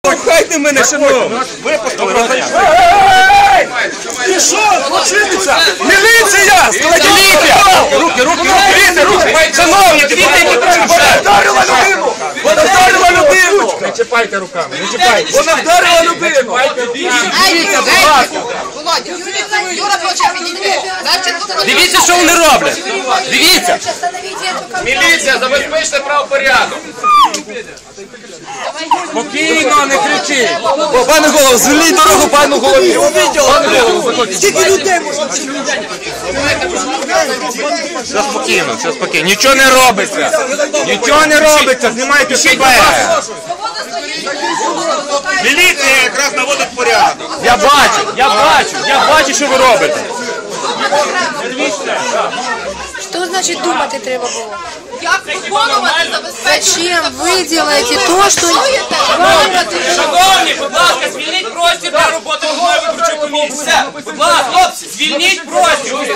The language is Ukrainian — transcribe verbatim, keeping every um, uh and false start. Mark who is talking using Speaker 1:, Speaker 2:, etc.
Speaker 1: Хайте мене, шановні!
Speaker 2: Випустили, розійшли.
Speaker 1: Ти що, злочинниця? Міліція! Міліція! Руки, руки, руки! Дивіться, руки! Шановні, дивіться, які треба! Вона вдарила людину! Вона вдарила людину!
Speaker 2: Не чіпайте руками, не чіпайте.
Speaker 1: Вона вдарила людину! Дивіться, будь ласка!
Speaker 3: Володя, Юра хоче підійти.
Speaker 1: Дивіться, що вони роблять! Дивіться!
Speaker 2: Міліція, забезпечте правопорядок.
Speaker 1: Спокійно, не кричіть! О, пане голову, звільніть дорогу пану голові! Пане голову, скільки людей можна?
Speaker 2: Все спокійно, все спокійно. Нічого не робиться. Нічого не робиться, знімайте себе. Міліція якраз наводить порядок.
Speaker 1: Я бачу, я бачу, я бачу, що ви робите!
Speaker 4: Что значит думать треба было?
Speaker 3: Як виконувати забезпечення?
Speaker 4: Зачем вы делаете то, что...
Speaker 5: Шановні, будь ласка, звільніть простір для роботи голови виборчої комісії. Все, будь ласка, хлопці, звільніть простір.